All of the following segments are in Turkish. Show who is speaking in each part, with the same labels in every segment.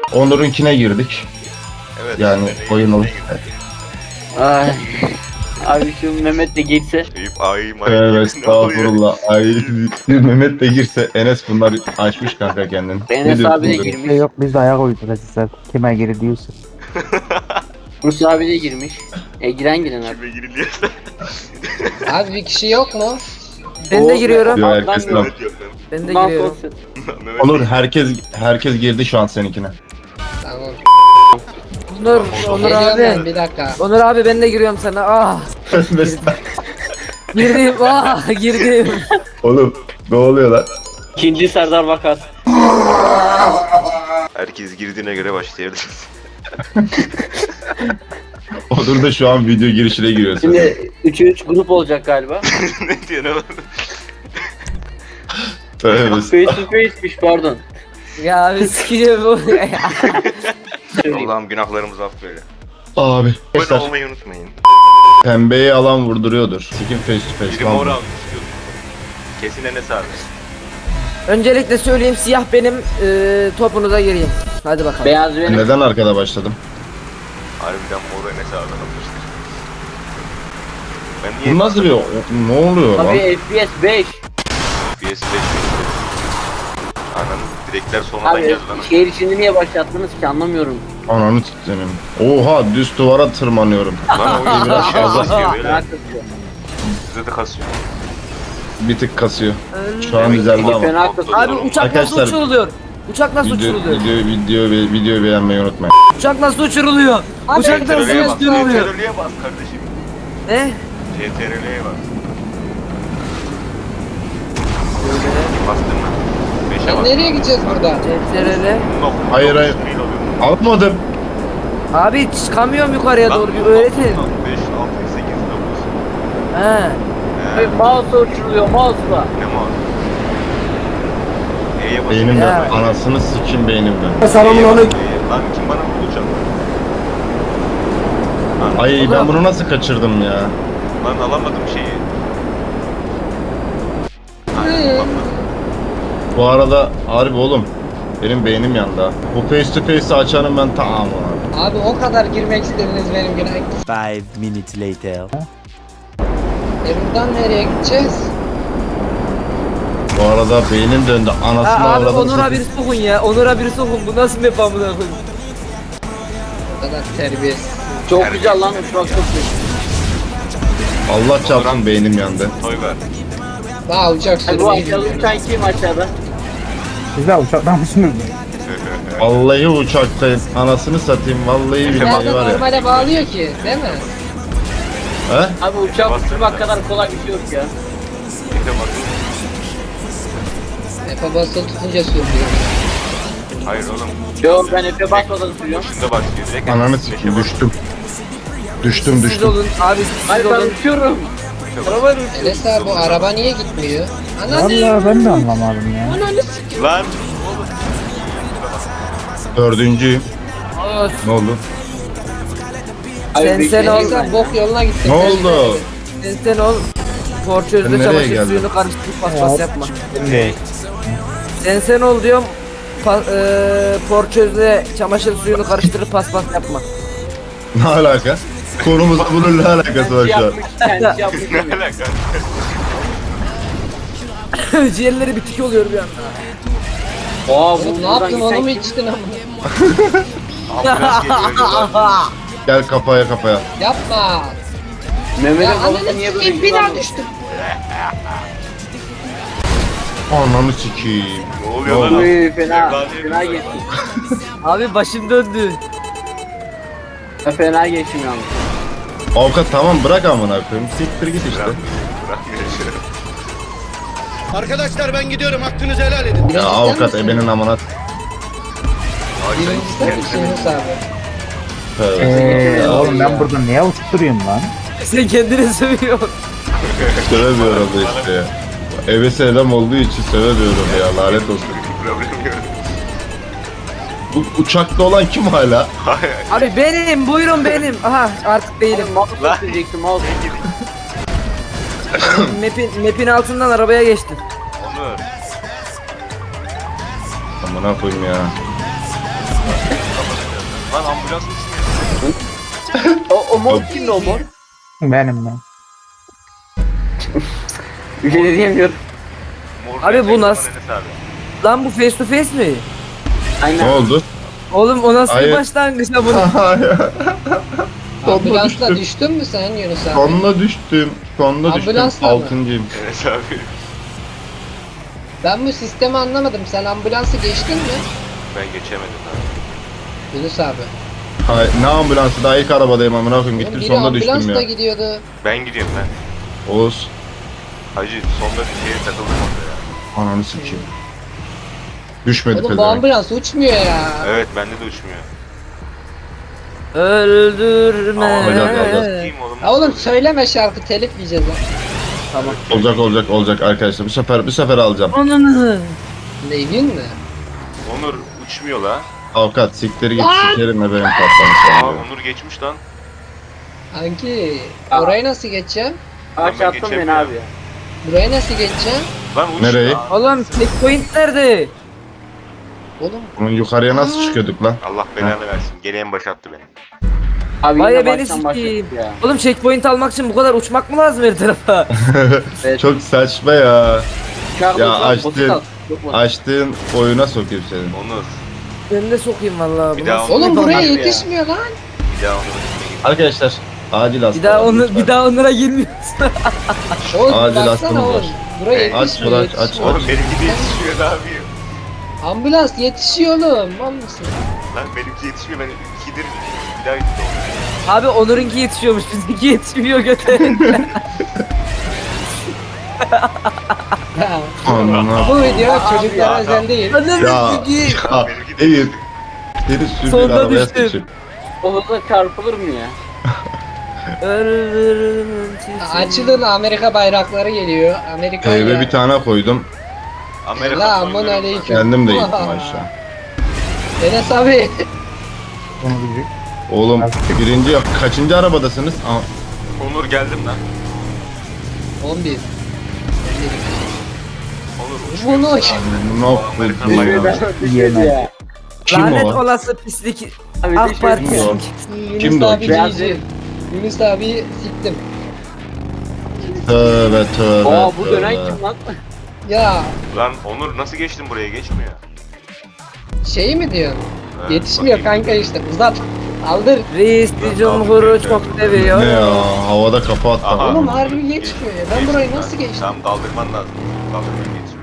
Speaker 1: Onur'unkine girdik.
Speaker 2: Evet.
Speaker 1: Yani oyun olur.
Speaker 3: Ay. Abi şu Mehmet de geçse.
Speaker 2: Eyüp ay may.
Speaker 1: Evet, estağfurullah. Ay Mehmet de girse Enes bunlar açmış kanka kendini.
Speaker 3: Enes abi de
Speaker 1: bu?
Speaker 3: girmiş.
Speaker 4: Yok biz de ayak uyduracağız sen. Kime geri diyorsun?
Speaker 3: Rus abi de girmiş. Giren abi.
Speaker 2: Kime giriliyorsa.
Speaker 5: Abi bir kişi yok mu?
Speaker 6: Ben de giriyorum.
Speaker 1: Diyor herkes
Speaker 3: Ben
Speaker 1: lan.
Speaker 2: Evet yok lan.
Speaker 6: Ben de
Speaker 3: Bundan
Speaker 6: giriyorum.
Speaker 3: sonra-
Speaker 2: Mehmet
Speaker 1: Onur herkes girdi şu an seninkine.
Speaker 5: Tamam.
Speaker 6: Onur
Speaker 5: Geliyorum ben,
Speaker 6: abi.
Speaker 5: bir dakika.
Speaker 6: Onur abi ben de giriyorum sana. Ah
Speaker 1: Mesela.
Speaker 6: girdim. Ah girdim.
Speaker 1: Oğlum ne oluyor lan?
Speaker 3: İkinci Serdar Vakat.
Speaker 2: herkes girdiğine göre başlayabiliriz.
Speaker 1: Onur da şu an video girişine giriyor.
Speaker 3: Şimdi 3'e 3 grup olacak galiba.
Speaker 2: ne diyor ne var?
Speaker 1: Tövbe.
Speaker 3: Face to face'miş pardon.
Speaker 6: Ya abi sikeceğim bu.
Speaker 2: Allah'ım günahlarımızı affeyle.
Speaker 1: Abi.
Speaker 2: Abone
Speaker 1: Arkadaşlar
Speaker 2: olmayı unutmayın.
Speaker 1: pembeyi alan vurduruyordur. Skin face to face.
Speaker 2: Biri
Speaker 1: lan
Speaker 2: mor
Speaker 1: bu.
Speaker 2: almış istiyorsun. Kesin Enes abi.
Speaker 6: Öncelikle söyleyeyim siyah benim topunuza gireyim. Hadi bakalım.
Speaker 3: Beyaz benim.
Speaker 1: Neden arkada başladım?
Speaker 2: Harbiden mor Enes abi almıştır. Ben niye
Speaker 1: Bu nasıl bir... Ne oluyor lan?
Speaker 3: Abi FPS 5.
Speaker 2: PS5 Ananın direkler sonradan
Speaker 3: Abi
Speaker 2: geldi lan.
Speaker 3: şehir içinde niye başlattınız ki anlamıyorum.
Speaker 1: Ananı tuttuğum. Oha düz duvara tırmanıyorum.
Speaker 2: Lan oyun biraz fazla kasıyor
Speaker 3: Merak
Speaker 2: böyle.
Speaker 3: ediyorum.
Speaker 2: Size de kasıyor.
Speaker 1: Bir tık kasıyor. Şu an düzeldi ama.
Speaker 3: Fena kasıyor.
Speaker 6: Abi uçak nasıl
Speaker 1: Arkadaşlar,
Speaker 6: uçuruluyor? Uçak nasıl uçuruluyor?
Speaker 1: Videoyu beğenmeyi unutmayın.
Speaker 6: Uçak nasıl uçuruluyor? Uçak nasıl
Speaker 2: CTRL'ye bas.
Speaker 6: uçuruluyor?
Speaker 2: CTRL'ye bas kardeşim.
Speaker 6: Ne?
Speaker 2: CTRL'ye bas. Bastın mı? 5'e
Speaker 5: Sen
Speaker 2: bas.
Speaker 5: nereye gideceğiz buradan?
Speaker 6: CTRL.
Speaker 1: Hayır, hayır. Almadım.
Speaker 6: Abi çıkamıyorum yukarıya doğru bir öğretin.
Speaker 2: 5, 6, 8, 9.
Speaker 6: He.
Speaker 3: Abi mouse'la uçuruluyor mouse'la.
Speaker 2: Ne mi var? E'ye basın.
Speaker 1: Beynimden.
Speaker 6: Ya.
Speaker 1: Anasını sikim beynimden.
Speaker 2: Lan kim bana vurdu uçak? Lan,
Speaker 1: Ay ben bunu nasıl kaçırdım ya?
Speaker 2: lan alamadım şeyi.
Speaker 1: Bu arada harbi oğlum. Benim beynim yandı ha. Bu face to face'i açanım ben tamam abi.
Speaker 5: Abi o kadar girmek istediniz benim güne.
Speaker 7: 5 minutes later.
Speaker 5: Buradan nereye gideceğiz?
Speaker 1: Bu arada beynim döndü. Anasını
Speaker 6: Abi
Speaker 1: avradım.
Speaker 6: Onur'a bir sokun ya. Onur'a bir sokun. Bu nasıl bir amına koyayım?
Speaker 5: O kadar terbiyesiz.
Speaker 3: Çok güzel lan uçmak çok güzel.
Speaker 1: Allah çarpsın beynim yandı.
Speaker 2: Toy ver.
Speaker 5: Daha uçak
Speaker 3: Abi bu
Speaker 5: sürmeyi
Speaker 3: aşağıda
Speaker 5: bilmiyorum.
Speaker 3: uçan kim aşağıda?
Speaker 4: Siz de uçaktan mısınız?
Speaker 1: Vallahi uçaktayım. Anasını satayım. Vallahi billahi
Speaker 5: Zaten
Speaker 1: var ya.
Speaker 5: normale bağlıyor ki değil mi?
Speaker 1: He?
Speaker 3: Abi uçak uçurmak kadar kolay bir şey yok ya.
Speaker 2: E'ye basın.
Speaker 5: Efe basılı tutunca sürüyor.
Speaker 2: Hayır oğlum.
Speaker 3: Yok ben Efe basmadan sürüyorum.
Speaker 2: Şunda başlıyor. Direkt
Speaker 1: Ananı
Speaker 2: beşe
Speaker 1: sikeyim
Speaker 2: bas.
Speaker 1: düştüm. Düştüm
Speaker 6: Siz
Speaker 1: düştüm.
Speaker 6: olun abi siz
Speaker 3: Hayır ben
Speaker 6: olun.
Speaker 3: uçuyorum. Arabayla uçuyorum.
Speaker 5: Enes abi bu araba niye gitmiyor? Ananı.
Speaker 4: Vallahi ben de anlamadım ya.
Speaker 2: Lan.
Speaker 1: Dördüncüyüm. Ne oldu?
Speaker 6: Sen ol.
Speaker 5: Enes abi bok yoluna gitti.
Speaker 1: Ne oldu?
Speaker 6: Sen ol.
Speaker 1: Ben
Speaker 6: Porçözde
Speaker 1: nereye
Speaker 6: çamaşır
Speaker 1: geldim?
Speaker 6: suyunu karıştırıp paspas yapma.
Speaker 7: Ne?
Speaker 6: Sen ol diyorum. Porçözde çamaşır suyunu karıştırıp paspas yapma.
Speaker 1: Ne alaka? Konumuzla bunun ne alakası var şu an?
Speaker 3: Kendisi yapmış.
Speaker 2: Ne alaka?
Speaker 6: Ciğerleri bitik oluyor bir anda.
Speaker 3: Oha
Speaker 5: Oğlum ne yaptın onu mu içtin ama?
Speaker 2: Ambulans geliyor diyorlar.
Speaker 1: Gel kafaya kafaya.
Speaker 5: Yapma.
Speaker 3: Mehmet'in
Speaker 5: Ya
Speaker 3: babası
Speaker 5: ananı
Speaker 3: niye böyle
Speaker 5: sikeyim bir daha
Speaker 3: güzel?
Speaker 5: düştüm.
Speaker 1: Ananı sikeyim.
Speaker 2: Ne oluyor lan?
Speaker 3: Uy fena.
Speaker 2: Evladım.
Speaker 3: Fena geçtim.
Speaker 6: Abi başım döndü.
Speaker 3: Ben fena geçtim yalnız.
Speaker 1: Avukat tamam bırak amına koyayım. Siktir git işte.
Speaker 2: Bırakmıyor işte.
Speaker 8: Arkadaşlar ben gidiyorum, hakkınızı helal edin.
Speaker 1: Ya avukat ebenin amına.
Speaker 5: Birincisi de ikincisi abi.
Speaker 1: Tövbe.
Speaker 4: Oğlum ben burada niye uçup duruyorum lan?
Speaker 6: Sen kendini sövüyorsun.
Speaker 1: Sövemiyorum da işte ya. Ebesi adam olduğu için sövemiyorum ya lanet olsun.
Speaker 2: Problem yok.
Speaker 1: Bu uçakta olan kim hala?
Speaker 2: Hayır.
Speaker 6: Abi benim buyurun benim. Aha artık değilim.
Speaker 3: Mouse'la sürecektim mouse.
Speaker 6: Map'in altından arabaya geçtim.
Speaker 2: Onur.
Speaker 1: Amına koyayım ya.
Speaker 2: Lan ambulans uçmuyor.
Speaker 3: O mor kimdi o mor?
Speaker 4: Benim ben.
Speaker 3: Bir şey de diyemiyorum.
Speaker 2: Mor
Speaker 6: Abi bu
Speaker 2: gerçekten
Speaker 6: nasıl-
Speaker 2: Enes abi.
Speaker 6: Lan bu face to face mi?
Speaker 3: Aynen.
Speaker 1: Ne oldu?
Speaker 6: Oğlum o nasıl bir
Speaker 1: Hayır.
Speaker 6: başlangıç ya bunun?
Speaker 5: Ambulansla düştün mü sen Yunus abi?
Speaker 1: Sonuna düştüm. Sonuna düştüm.
Speaker 5: Ambulansla mı?
Speaker 1: 6.'yım.
Speaker 2: Enes abi.
Speaker 5: Ben bu sistemi anlamadım. Sen ambulansı geçtin mi?
Speaker 2: Ben geçemedim abi.
Speaker 5: Yunus abi.
Speaker 1: Hayır, ne ambulansı, daha ilk arabadayım amına koyayım,
Speaker 5: Oğlum
Speaker 1: gittim
Speaker 5: biri
Speaker 1: sonuna düştüm
Speaker 5: ambulansla
Speaker 1: ya.
Speaker 5: gidiyordu.
Speaker 2: Ben gidiyorum ben.
Speaker 1: Oğuz.
Speaker 2: Hacı sonda bir şeye takıldım orada ya.
Speaker 1: Ananı sikeyim. Düşmedi
Speaker 5: Oğlum bu
Speaker 1: pezevenk.
Speaker 5: ambulans uçmuyor ya.
Speaker 2: Evet bende de uçmuyor.
Speaker 6: Öldürme.
Speaker 1: Alacağız.
Speaker 2: Kim oğlum?
Speaker 5: Ya oğlum söyleme şarkı telif yiyeceğiz ha.
Speaker 1: Olacak arkadaşlar. Bu sefer alacağım.
Speaker 6: Onunu.
Speaker 5: Neyin mi?
Speaker 2: Onur uçmuyor la.
Speaker 1: Avukat sikleri git,
Speaker 5: Lan!
Speaker 1: sikerim ve benim
Speaker 2: Aa
Speaker 1: patlamış.
Speaker 2: Onur geçmiş lan.
Speaker 5: Kanki orayı nasıl geçeceğim?
Speaker 3: Aç
Speaker 2: ben
Speaker 3: attın beni
Speaker 2: geçemiyorum.
Speaker 3: abi ya.
Speaker 5: Burayı nasıl geçeceğim?
Speaker 2: Lan uç.
Speaker 1: Nereye?
Speaker 2: Aa,
Speaker 6: Oğlum checkpoint nerede?
Speaker 5: Oğlum
Speaker 1: Bunun yukarıya nasıl çıkıyorduk lan?
Speaker 2: Allah belanı versin. Gene en başa attı beni.
Speaker 3: Abi
Speaker 6: Vay
Speaker 3: yine
Speaker 6: beni
Speaker 3: baştan
Speaker 6: sikeyim.
Speaker 3: başladık ya.
Speaker 6: Oğlum checkpoint almak için bu kadar uçmak mı lazım her tarafa?
Speaker 3: Evet.
Speaker 1: Çok saçma ya.
Speaker 3: Uçağı
Speaker 1: Ya
Speaker 3: bozan
Speaker 1: açtın.
Speaker 3: basit al. Çok basit.
Speaker 1: Açtığın oyuna sokayım seni.
Speaker 2: Onur.
Speaker 6: Ben de sokayım vallahi.
Speaker 2: Bir
Speaker 6: Bu
Speaker 2: daha
Speaker 6: nasıl-
Speaker 5: oğlum buraya
Speaker 3: ya.
Speaker 5: yetişmiyor lan.
Speaker 2: Bir daha Onur'un üstüne
Speaker 1: Arkadaşlar acil hasta.
Speaker 6: Bir daha onu bir daha onlara girmiyorsun.
Speaker 5: Oğlum
Speaker 1: Acil
Speaker 5: baksana
Speaker 1: hastanız
Speaker 5: oğlum.
Speaker 1: var.
Speaker 5: Buraya
Speaker 1: Aç,
Speaker 5: yetişmiyor.
Speaker 1: aç, aç,
Speaker 5: yetişmiyor.
Speaker 2: Oğlum benimki de yetişmiyor ne yapayım?
Speaker 5: Ambulans yetişiyor oğlum. Mal mısın?
Speaker 2: Lan benimki yetişmiyor ben ikidir bir daha gitti
Speaker 6: Abi Onur'unki yetişiyormuş bizimki yetişmiyor göte.
Speaker 5: Ya,
Speaker 1: Anana.
Speaker 5: bu video çocuklara
Speaker 2: ya.
Speaker 5: özel değil.
Speaker 6: Ananı
Speaker 1: Ya.
Speaker 6: sikeyim.
Speaker 1: Ha, Eyüp. Seni sürdüğün
Speaker 6: Sonunda
Speaker 1: arabaya
Speaker 6: düştüm.
Speaker 1: seçip.
Speaker 3: O hızla çarpılır mı ya?
Speaker 6: Ölürüm
Speaker 5: Açılın Amerika bayrakları geliyor. Amerika
Speaker 1: Eve bir tane koydum.
Speaker 2: Amerika
Speaker 5: Selamun
Speaker 2: soyunuyorum ben.
Speaker 5: aleyküm.
Speaker 1: Kendim de gittim aşağı.
Speaker 5: Enes abi.
Speaker 4: Onu bir
Speaker 1: Oğlum birinci kaçıncı arabadasınız? Aa,
Speaker 2: Onur geldim lan.
Speaker 5: 11.
Speaker 2: Onur
Speaker 5: Bunu
Speaker 1: ne
Speaker 2: Amerikan
Speaker 1: yapıyorsun
Speaker 2: bayrağı.
Speaker 1: ya?
Speaker 3: Düşmedi ya.
Speaker 1: Kim
Speaker 6: Lanet
Speaker 1: o?
Speaker 6: olası pislik.
Speaker 3: Abi
Speaker 6: AK
Speaker 3: düşmedi.
Speaker 6: Parti.
Speaker 1: Kim o?
Speaker 5: Yunus
Speaker 1: Kimdi o?
Speaker 5: abi
Speaker 3: Beyaz
Speaker 5: cici. Yunus abi siktim.
Speaker 1: Tövbe tövbe.
Speaker 3: Aa bu dönen
Speaker 1: tövbe.
Speaker 3: kim lan?
Speaker 5: Ya
Speaker 2: Lan Onur nasıl geçtin buraya geçmiyor.
Speaker 5: şey mi diyorsun?
Speaker 2: Evet,
Speaker 5: Yetişmiyor
Speaker 2: bakayım.
Speaker 5: kanka işte. Uzat. Aldır.
Speaker 6: Reis Cumhur'u çok seviyor.
Speaker 1: Ne ya? Havada kafa attı.
Speaker 2: Aha.
Speaker 5: Oğlum harbi geçmiyor ya. Ben burayı nasıl geçtim?
Speaker 2: Tamam kaldırman lazım. Kaldırman geçmiyor.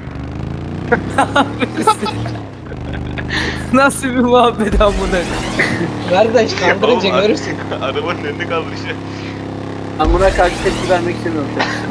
Speaker 6: Nasıl bir muhabbet amına.
Speaker 5: Kardeş kaldırınca
Speaker 2: Oğlum,
Speaker 5: görürsün.
Speaker 2: Arabanın önünde kaldıracak.
Speaker 3: Ben buna karşı tepki vermek istemiyorum.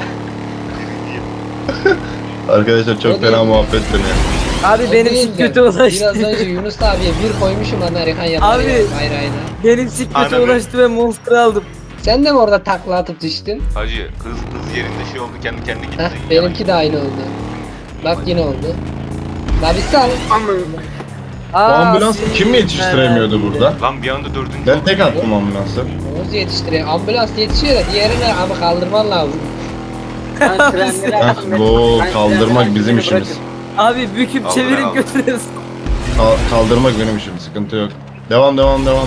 Speaker 1: Arkadaşlar çok
Speaker 5: O
Speaker 1: fena
Speaker 5: değil.
Speaker 1: muhabbet dönüyor.
Speaker 6: Abi
Speaker 5: O
Speaker 6: benim
Speaker 5: değil
Speaker 6: sik
Speaker 5: de,
Speaker 6: kötü ulaştı.
Speaker 5: Biraz önce Yunus abiye bir koymuşum Amerikan yanına
Speaker 6: Abi.
Speaker 5: bayrağına.
Speaker 6: Benim sik kötü
Speaker 2: Ananı-
Speaker 6: ulaştı ve monster aldım.
Speaker 5: Sen de mi orada takla atıp düştün?
Speaker 2: Hacı hız yerinde şey oldu kendi kendine gitti.
Speaker 5: Heh, benimki de aynı oldu. Bak yine oldu. La bir sal.
Speaker 1: Bu ambulans kim yetiştiremiyordu burada?
Speaker 2: Lan bir anda dördüncü
Speaker 1: Ben
Speaker 2: oldu.
Speaker 1: tek attım ambulansı.
Speaker 5: Oğuz yetiştiriyor. Ambulans yetişiyor da diğerine abi kaldırman lazım.
Speaker 3: Ben trenleri
Speaker 1: Ha,
Speaker 3: açtım.
Speaker 1: bu
Speaker 3: Ben
Speaker 1: kaldırmak
Speaker 3: trenleri
Speaker 1: bizim
Speaker 3: açtım,
Speaker 1: işimiz.
Speaker 6: Abi büküp
Speaker 2: Aldır,
Speaker 6: çevirip
Speaker 2: aldır.
Speaker 6: götürüyorsun.
Speaker 1: Kaldırmak benim işim, sıkıntı yok. Devam.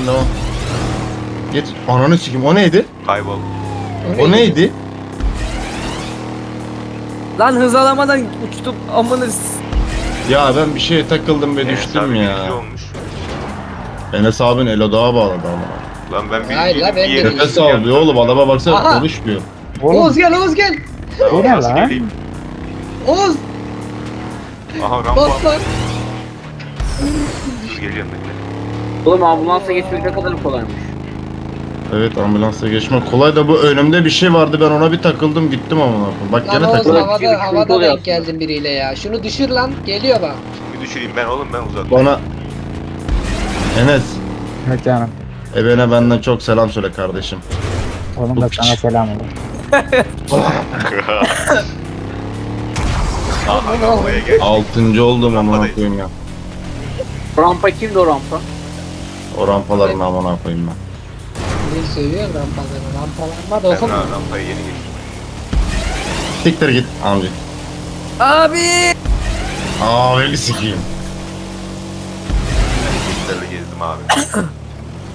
Speaker 1: Git. Ananı sikeyim, o neydi?
Speaker 2: Kaybol.
Speaker 1: O neydi?
Speaker 6: Lan hız alamadan uçtum amına.
Speaker 1: Ya ben bir şeye takıldım ve
Speaker 2: Enes
Speaker 1: düştüm
Speaker 2: abi
Speaker 1: ya.
Speaker 2: birinci olmuş.
Speaker 1: Enes abin Elodağa bağladı ama.
Speaker 2: Lan ben
Speaker 5: Hayır
Speaker 2: birinciydim,
Speaker 5: la, ben
Speaker 2: bir yere
Speaker 5: birinciyim.
Speaker 1: Nefes alıyor oğlum, adama baksana
Speaker 5: Aha.
Speaker 1: konuşmuyor.
Speaker 4: Oğlum
Speaker 5: Oğuz gel Oğuz gel.
Speaker 4: o ne
Speaker 2: Nasıl
Speaker 4: lan?
Speaker 2: geleyim?
Speaker 5: Oğuz
Speaker 2: Aha rampa.
Speaker 5: bas lan.
Speaker 2: Dur geliyorum bekle.
Speaker 3: Oğlum ambulansa geçmek ne kadar kolaymış.
Speaker 1: Evet, ambulansa geçmek kolay da bu önümde bir şey vardı, ben ona bir takıldım gittim ama. Bak
Speaker 5: Lan
Speaker 1: gene
Speaker 5: Oğuz
Speaker 1: takıldım.
Speaker 3: Sıkıntı
Speaker 5: havada
Speaker 3: oluyor
Speaker 5: denk geldin biriyle ya. Şunu düşür lan. Geliyor bak.
Speaker 2: Bir düşüreyim ben oğlum ben uzak.
Speaker 1: Bana Enes,
Speaker 4: Evet canım.
Speaker 1: ebene benden çok selam söyle kardeşim.
Speaker 4: Oğlum da sana selam olsun.
Speaker 2: Aha rampaya gel.
Speaker 1: 6. oldum amına
Speaker 2: Rampadayız.
Speaker 1: koyayım ya.
Speaker 3: Rampa kimdi o rampa?
Speaker 1: O rampaların amına koyayım ben.
Speaker 5: Bir söylüyorum rampalarını. Rampalanma da
Speaker 2: Ben
Speaker 5: okuma.
Speaker 2: rampaya yeni geçtim.
Speaker 1: Siktir git amca.
Speaker 6: Abi.
Speaker 1: Aa beni sikeyim.
Speaker 2: Hareketlerle gezdim abi.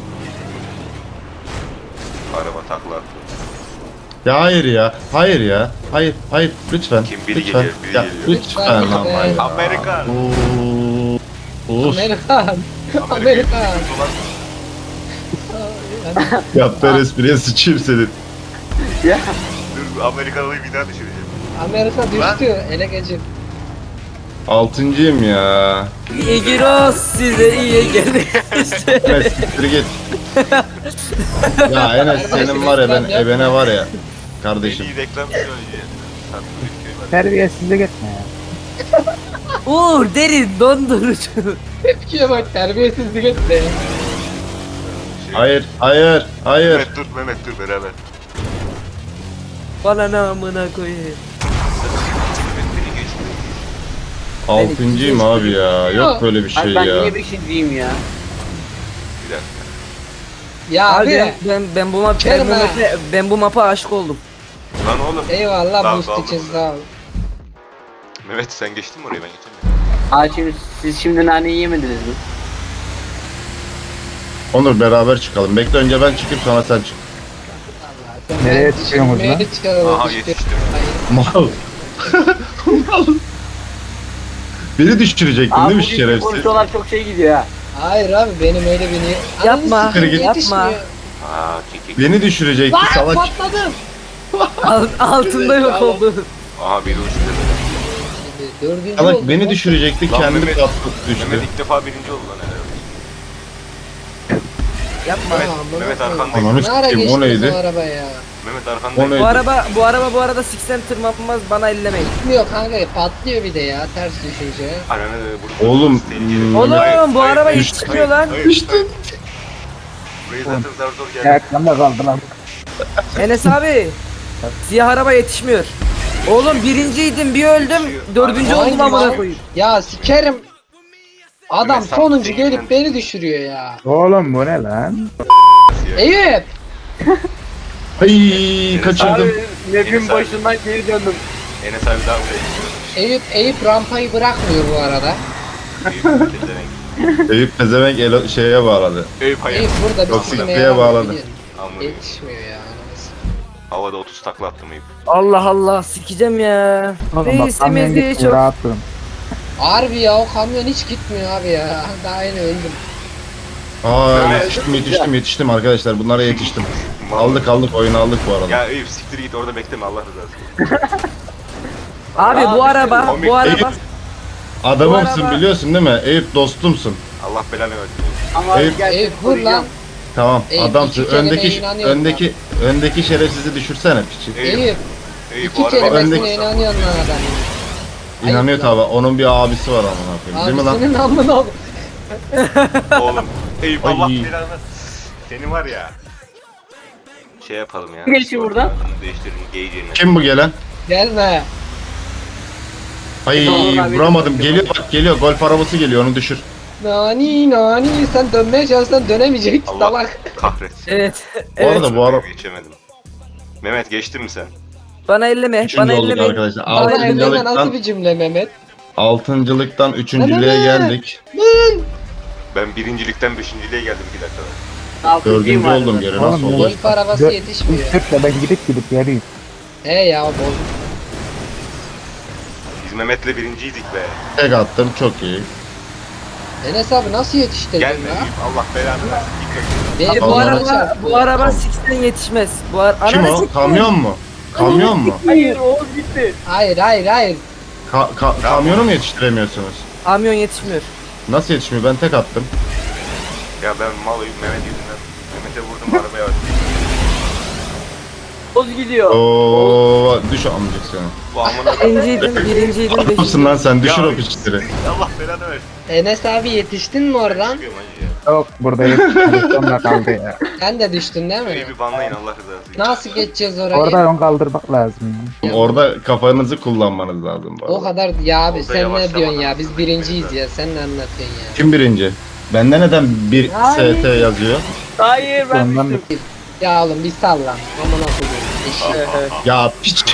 Speaker 2: takla attı.
Speaker 1: Ya hayır ya. Hayır ya. Hayır. Hayır. Lütfen.
Speaker 2: Kim biri
Speaker 1: lütfen.
Speaker 2: geliyor, biri
Speaker 1: Ya,
Speaker 2: geliyor.
Speaker 1: lütfen
Speaker 5: Lütfen.
Speaker 1: ama ya.
Speaker 2: Amerika.
Speaker 1: Uf.
Speaker 5: Amerikan. Amerikan.
Speaker 1: Yaptığın espriye sıçayım senin.
Speaker 3: Ya
Speaker 2: Dur Amerikalıyı bir daha düşüreceğim.
Speaker 5: Amerika düştü. Ele geçir.
Speaker 1: Altıncıyım ya.
Speaker 6: İyi giros size iyi geldi.
Speaker 1: Enes siktir git. Ya Enes senin var ya ben ebene var ya. Kardeşim.
Speaker 2: İyi reklam söyleyeceğim.
Speaker 4: Terbiyesizlik etme ya.
Speaker 6: Uğur derin dondurucu.
Speaker 5: Tepkiye bak, terbiyesizlik etti.
Speaker 1: Hayır. Hayır. Hayır.
Speaker 2: Mehmet dur beraber.
Speaker 6: Bana namına koyayım.
Speaker 2: Mehmet beni geçti.
Speaker 1: Altıncıyım abi ya. Yok böyle bir şey
Speaker 3: abi ben
Speaker 1: ya.
Speaker 3: niye beşinciyim ya?
Speaker 2: Bir dakika.
Speaker 5: Ya
Speaker 6: Abi
Speaker 5: abi.
Speaker 6: ben bu map
Speaker 5: Kerem ha.
Speaker 6: ben bu mapa aşık oldum.
Speaker 2: Lan oğlum.
Speaker 5: Eyvallah
Speaker 2: Daha
Speaker 5: boost
Speaker 2: kaldı
Speaker 5: için
Speaker 2: burada.
Speaker 5: sağ ol.
Speaker 2: Mehmet sen geçtin mi oraya ben geçemiyorum.
Speaker 3: Abi şimdi siz şimdi naneyi yemediniz mi?
Speaker 1: Onur beraber çıkalım. Bekle önce ben çıkayım sonra sen çık.
Speaker 5: Sen
Speaker 4: Nereye
Speaker 5: ben
Speaker 4: çıkıyorsunuz lan?
Speaker 5: nereye çıkaralım
Speaker 2: Aha
Speaker 5: işte.
Speaker 2: yetiştim.
Speaker 1: Mal. Mal. Beni düşürecektin
Speaker 3: Abi
Speaker 1: değil mi
Speaker 3: bu
Speaker 1: şerefsiz?
Speaker 3: konuşmalar çok şey gidiyor ha.
Speaker 5: Hayır abi benim öyle bir niye...
Speaker 6: Yapma,
Speaker 5: Ananı sikeyim,
Speaker 1: yapma.
Speaker 5: yetişmiyor.
Speaker 2: Aa kekik.
Speaker 1: Beni düşürecekti
Speaker 5: Lan
Speaker 1: salak.
Speaker 5: patladım.
Speaker 6: Altında yok oldu.
Speaker 2: Aha biri uçtu.
Speaker 5: Dördüncü
Speaker 1: Salak
Speaker 5: oldum
Speaker 1: beni
Speaker 5: lan.
Speaker 1: düşürecekti
Speaker 2: Lan
Speaker 1: kendi
Speaker 2: Mehmet-
Speaker 1: patladı düştü.
Speaker 2: Mehmet ilk defa birinci oldu lan herhalde.
Speaker 6: Yapma.
Speaker 2: Mehmet,
Speaker 5: Aman
Speaker 2: Mehmet
Speaker 5: Allah'ım.
Speaker 2: arkandayım.
Speaker 1: Ananı
Speaker 5: Ne ara
Speaker 1: sikeyim o
Speaker 5: geçtiniz
Speaker 1: neydi?
Speaker 5: o araba ya?
Speaker 2: Mehmet
Speaker 1: O
Speaker 2: arkandayım.
Speaker 1: neydi?
Speaker 6: Bu araba 80 tırmanmaz bana ellemeyin.
Speaker 5: Gitmiyor kanka, patlıyor bir de ya ters düşünce.
Speaker 2: Ananı burada.
Speaker 1: Oğlum,
Speaker 2: Tehlikeli.
Speaker 6: Oğlum
Speaker 2: Hayır,
Speaker 6: bu
Speaker 2: hayır,
Speaker 6: araba
Speaker 2: hayır,
Speaker 6: yetişmiyor
Speaker 2: hayır,
Speaker 6: lan.
Speaker 2: hayır, hayır. Burayı zaten zar zor geldi.
Speaker 4: Ayaklarında kaldı lan.
Speaker 6: Enes abi. Siyah araba yetişmiyor. Oğlum birinciydim bir öldüm. Dördüncü
Speaker 5: Hangi
Speaker 6: oldum amına
Speaker 5: mal?
Speaker 6: koyayım.
Speaker 5: Ya sikerim. Adam
Speaker 2: Mesela
Speaker 5: sonuncu
Speaker 2: değil
Speaker 5: gelip
Speaker 2: lan.
Speaker 5: beni düşürüyor ya.
Speaker 4: Oğlum bu ne lan?
Speaker 5: Eyüp.
Speaker 1: Ay kaçırdım.
Speaker 3: Abi map'in başından geri döndüm.
Speaker 2: Enes abi daha buraya
Speaker 5: Eyüp rampayı bırakmıyor bu arada.
Speaker 2: gidiyor.
Speaker 1: Eyüp pezevenk şeye bağladı.
Speaker 2: Eyüp hayır.
Speaker 5: Eyüp burada
Speaker 1: Yok,
Speaker 5: bir
Speaker 1: sikliğe
Speaker 5: sikimeye
Speaker 1: bağladı.
Speaker 2: Amına.
Speaker 5: Yetişmiyor ya.
Speaker 2: Havada 30 takla attım Eyüp.
Speaker 6: Allah Allah sikeceğim ya.
Speaker 4: Oğlum bak
Speaker 6: Reisimiz
Speaker 4: kamyon
Speaker 6: diye
Speaker 4: gitmiyor
Speaker 6: çok.
Speaker 4: rahat durun.
Speaker 5: Harbi ya, o kamyon hiç gitmiyor abi ya. Daha yeni öldüm.
Speaker 1: Aa yetiştim arkadaşlar bunlara yetiştim. Aldık oyunu aldık bu arada.
Speaker 2: Ya Eyüp siktir git orada bekleme Allah rızası için.
Speaker 6: Abi bu araba
Speaker 2: komik.
Speaker 6: bu araba.
Speaker 1: Adamımsın
Speaker 6: bu araba-
Speaker 1: biliyorsun değil mi? Eyüp dostumsun.
Speaker 2: Allah belanı versin.
Speaker 3: Ama
Speaker 1: Eyüp-
Speaker 3: gel
Speaker 5: Eyüp vur lan.
Speaker 1: Tamam
Speaker 5: Eyüp,
Speaker 1: adamsın.
Speaker 5: iki kelimeye
Speaker 1: Öndeki
Speaker 5: inanıyorum
Speaker 1: öndeki şerefsizi düşürsene piçi.
Speaker 5: Eyüp.
Speaker 2: Eyüp
Speaker 5: İki
Speaker 2: o araba
Speaker 5: kelimesine
Speaker 1: öndeki-
Speaker 5: inanıyorsun lan adam.
Speaker 1: İnanıyor tabi. Onun bir abisi var amına koyayım. Değil mi lan?
Speaker 5: Abisinin amına ol.
Speaker 2: Oğlum. Eyüp
Speaker 1: Ay.
Speaker 2: Allah belanı. Seni var ya. Şey yapalım ya.
Speaker 3: Geçin buradan.
Speaker 2: Değiştirelim geyiciğini.
Speaker 1: Kim bu gelen?
Speaker 5: Gelme.
Speaker 1: Ay
Speaker 3: Tamam, abi,
Speaker 1: vuramadım.
Speaker 3: tamam.
Speaker 1: Geliyor bak geliyor. Golf arabası geliyor onu düşür.
Speaker 5: Nani sen dönmeye çalışsan dönemeyeceksin
Speaker 2: Allah
Speaker 5: salak.
Speaker 2: kahretsin.
Speaker 6: Evet.
Speaker 1: Bu arada bu araba
Speaker 2: Geçemedim. Mehmet geçtin mi sen?
Speaker 6: Bana elleme.
Speaker 1: üçüncü
Speaker 6: Bana
Speaker 1: olduk
Speaker 6: elleme.
Speaker 1: arkadaşlar.
Speaker 5: Bana elleme nasıl
Speaker 1: Altıncılıktan,
Speaker 5: bir cümle Mehmet?
Speaker 1: altıncılıktan üçüncülüğe geldik.
Speaker 2: Ben birincilikten beşinciliğe geldim 2 dakikada.
Speaker 3: Altıncıyım
Speaker 1: Dördüncü
Speaker 3: var.
Speaker 1: oldum geri
Speaker 4: Oğlum,
Speaker 1: nasıl oldu?
Speaker 5: Golf arabası
Speaker 4: Dö-
Speaker 5: yetişmiyor.
Speaker 4: Sırtla ben gidip geleyim.
Speaker 5: He ya bol.
Speaker 2: Biz Mehmet'le birinciydik be.
Speaker 1: Tek attım çok iyi.
Speaker 5: Enes abi nasıl yetiştirdin
Speaker 2: Gelme
Speaker 5: ya?
Speaker 2: Eyüp Allah belanı versin. Git
Speaker 5: Benim
Speaker 6: Bu
Speaker 1: Allah
Speaker 6: araba
Speaker 5: araba
Speaker 6: bu araba 80 yetişmez. Bu
Speaker 1: Kim
Speaker 6: Ananı
Speaker 1: o?
Speaker 6: sikeyim.
Speaker 1: Kamyon mu? Kamyon mu?
Speaker 3: Hayır Oğuz gitti.
Speaker 5: Hayır.
Speaker 1: Kamyonu mu yetiştiremiyorsunuz?
Speaker 6: Kamyon yetişmiyor.
Speaker 1: Nasıl yetişmiyor? Ben tek attım.
Speaker 2: Ya ben malıyım Mehmet yüzünden. Mehmet'e vurdum arabaya attım.
Speaker 3: Oğuz gidiyor.
Speaker 1: Oo, düş amcık seni.
Speaker 2: Bu amına
Speaker 6: Birinciydim,
Speaker 1: Adamsın
Speaker 6: beşinciydim.
Speaker 1: lan sen düşür
Speaker 2: Ya.
Speaker 1: o piçleri.
Speaker 2: Allah belanı versin.
Speaker 5: Enes abi yetiştin mi oradan?
Speaker 2: Çıkıyorum hacı ya.
Speaker 4: Yok buradayım. Sonra kaldı ya.
Speaker 5: Sen de düştün değil mi?
Speaker 2: Eyüp'ü banlayın Allah rızası için.
Speaker 5: Nasıl geçeceğiz orayı?
Speaker 4: Orada ön kaldırmak lazım.
Speaker 1: Orada kafanızı kullanmanız lazım bu
Speaker 5: O
Speaker 1: arada.
Speaker 5: kadar ya abi
Speaker 2: Orada
Speaker 5: sen ne
Speaker 2: yavaşlamadan
Speaker 5: diyorsun ya? Biz
Speaker 2: hızlı
Speaker 5: birinciyiz
Speaker 2: gitmeniz
Speaker 5: ya. Sen ne anlatıyorsun ya?
Speaker 1: Kim birinci? Bende neden bir
Speaker 5: Hayır.
Speaker 1: ST yazıyor?
Speaker 3: Hayır ben
Speaker 4: Ondan
Speaker 3: düştüm.
Speaker 5: Ya oğlum bir sallan. Amına koyayım. Eşek.
Speaker 1: Ya piç.